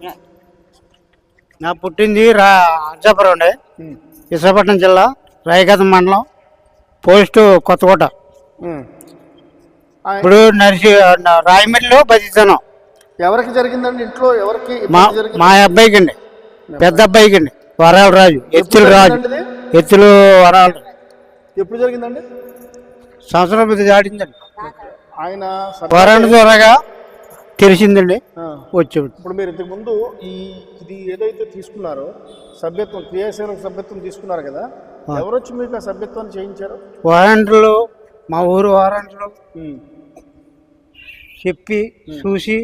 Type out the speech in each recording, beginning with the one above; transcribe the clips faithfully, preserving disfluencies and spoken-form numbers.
నా పుట్టింది రా అర్జాపురం అండి, విశాఖపట్నం జిల్లా రాయగతం మండలం, పోస్టు కొత్తకోట. ఇప్పుడు నర్సి రాయమండ్రిలో బతిస్తాను. ఎవరికి జరిగిందండి ఇంట్లో? ఎవరికి? మా మా అబ్బాయికి అండి, పెద్ద అబ్బాయికి అండి, వరాల రాజు, ఎత్తులు రాజు, ఎత్తులు వరాలు. ఎప్పుడు జరిగిందండి? సంవత్సరం మీద దాటిందండి. ఆయన వరాల త్వరగా తెలిసిందండి వచ్చాడు. ఇప్పుడు మీరు ఇంతకు ముందు ఈ ఇది ఏదైతే తీసుకున్నారో సభ్యత్వం, క్రియాశీలక సభ్యత్వం తీసుకున్నారు కదా, ఎవరొచ్చి మీకు ఆ సభ్యత్వాన్ని చేయించారు? వారంట్లు, మా ఊరు వారంట్లు చెప్పి చూసి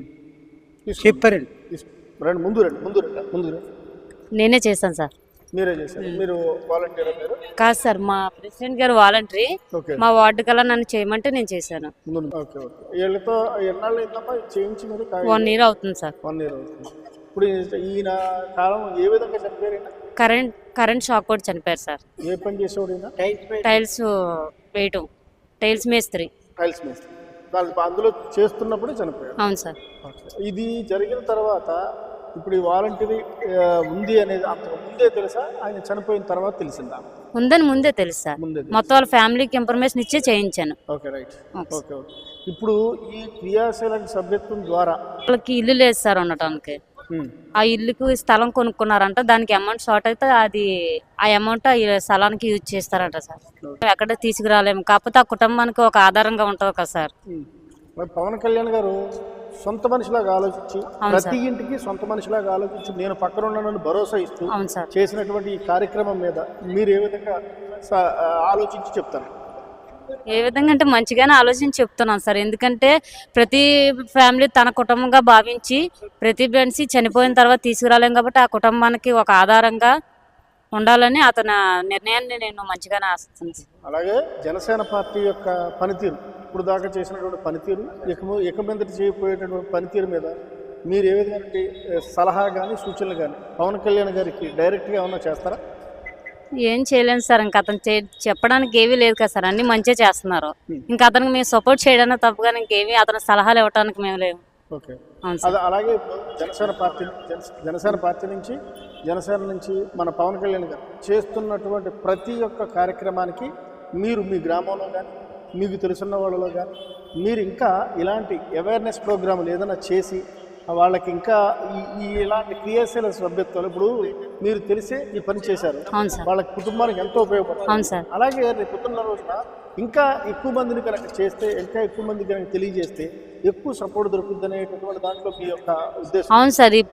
చెప్పారండి. రండి ముందు రండి ముందు రండి ముందు రండి. నేనే చేశాను సార్. మీరే చేశారు? మీరు వాలంటీర్? మీరు కాదు సార్, మా ప్రెసిడెంట్ గారు వాలంటరీ, మా వార్డు కల్లా నన్ను చేయమంటే నేను చేశాను. Okay okay. వీళ్ళతో ఎన్నాళ్ళు అయిందమ్మా చేయించి? మీరు వన్ ఇయర్ అవుతుంది సార్. వన్ ఇయర్ అవుతుంది. ఇప్పుడు ఈయన కాలం ఏ విధంగా చనిపోయారు? కరెంట్ కరెంట్ షాక్ కూడా చనిపోయారు సార్. ఏ పని చేసేవాడు? టైల్స్ వేయటం, టైల్స్ మేస్త్రి. టైల్స్ మేస్త్రి. అందులో చేస్తున్నప్పుడే చనిపోయారు? అవును సార్. ఇది జరిగిన తర్వాత ఇప్పుడు ఈ వాలంటీరీ ఉంది అనేది అంతకు ముందే తెలుసా, ఆయన చనిపోయిన తర్వాత తెలిసిందా? ఉందని ముందే తెలుసు సార్. మొత్తం వాళ్ళ ఫ్యామిలీకి ఇన్ఫర్మేషన్ ఇచ్చే చేయించాను. Okay right. Okay okay. ఇప్పుడు ఈ క్రియాశీలక సభ్యత్వం ద్వారా వాళ్ళకి ఇల్లు లేదు సార్ ఉండటానికి. ఆ ఇల్లుకు స్థలం కొనుక్కున్నారంట, దానికి అమౌంట్ షార్ట్ అయితే అది ఆ అమౌంట్ ఆ స్థలానికి యూజ్ చేస్తారంట సార్. ఎక్కడ తీసుకురాలేము, కాకపోతే ఆ కుటుంబానికి ఒక ఆధారంగా ఉంటుంది కదా సార్. పవన్ కళ్యాణ్ గారు సొంత మనిషిలాగా ఆలోచించి, ప్రతి ఇంటికి సొంత మనిషిలాగా ఆలోచించి నేను పక్కన ఉన్నానని భరోసా ఇస్తూ చేసినటువంటి ఈ కార్యక్రమం మీద మీరు ఏ విధంగా ఆలోచించి చెప్తారు? ఏ విధంగా అంటే మంచిగానే ఆలోచించి చెప్తున్నాను సార్. ఎందుకంటే ప్రతి ఫ్యామిలీ తన కుటుంబంగా భావించి ప్రతి మనిషి చనిపోయిన తర్వాత తీసుకురాలేం కాబట్టి ఆ కుటుంబానికి ఒక ఆధారంగా ఉండాలని అతని నిర్ణయాన్ని నేను మంచిగానే ఆశిస్తున్నాను. అలాగే జనసేన పార్టీ యొక్క పనితీరు, ఇప్పుడు దాకా చేసినటువంటి పనితీరు, ఇక ఇక మీదట చేయబోయేటటువంటి పనితీరు మీద మీరు ఏ విధమైన సలహా కానీ సూచనలు కానీ పవన్ కళ్యాణ్ గారికి డైరెక్ట్గా ఏమన్నా చేస్తారా? ఏం చేయలేము సార్. ఇంకా అతను చెప్పడానికి ఏమీ లేదు కదా సార్, అన్ని మంచిగా చేస్తున్నారు. ఇంకా అతనికి మేము సపోర్ట్ చేయడానికి తప్పుగా ఇంకేమీ అతని సలహాలు ఇవ్వడానికి మేము లేవు. ఓకే. అలాగే జనసేన పార్టీ జనసేన పార్టీ నుంచి జనసేన నుంచి మన పవన్ కళ్యాణ్ గారు చేస్తున్నటువంటి ప్రతి ఒక్క కార్యక్రమానికి మీరు మీ గ్రామంలో కానీ మీకు తెలుసున్న వాళ్ళలో కానీ మీరు ఇంకా ఇలాంటి అవేర్నెస్ ప్రోగ్రాములు ఏదైనా చేసి వాళ్ళకి ఇంకా ఈ ఇలాంటి క్రియాశీల సభ్యత్వాలు ఇప్పుడు మీరు తెలిసే ఈ పని చేశారు, వాళ్ళకి కుటుంబానికి ఎంతో ఉపయోగపడుతుంది. అలాగే రేపు పొద్దున్న రోజున ఇంకా ఎక్కువ మందిని కనుక చేస్తే, ఇంకా ఎక్కువ మందికి కనుక తెలియజేస్తే ఎక్కువ సపోర్ట్ దొరుకుతుంది అనేటటువంటి దాంట్లో మీ యొక్క ఉద్దేశం? అవును సార్.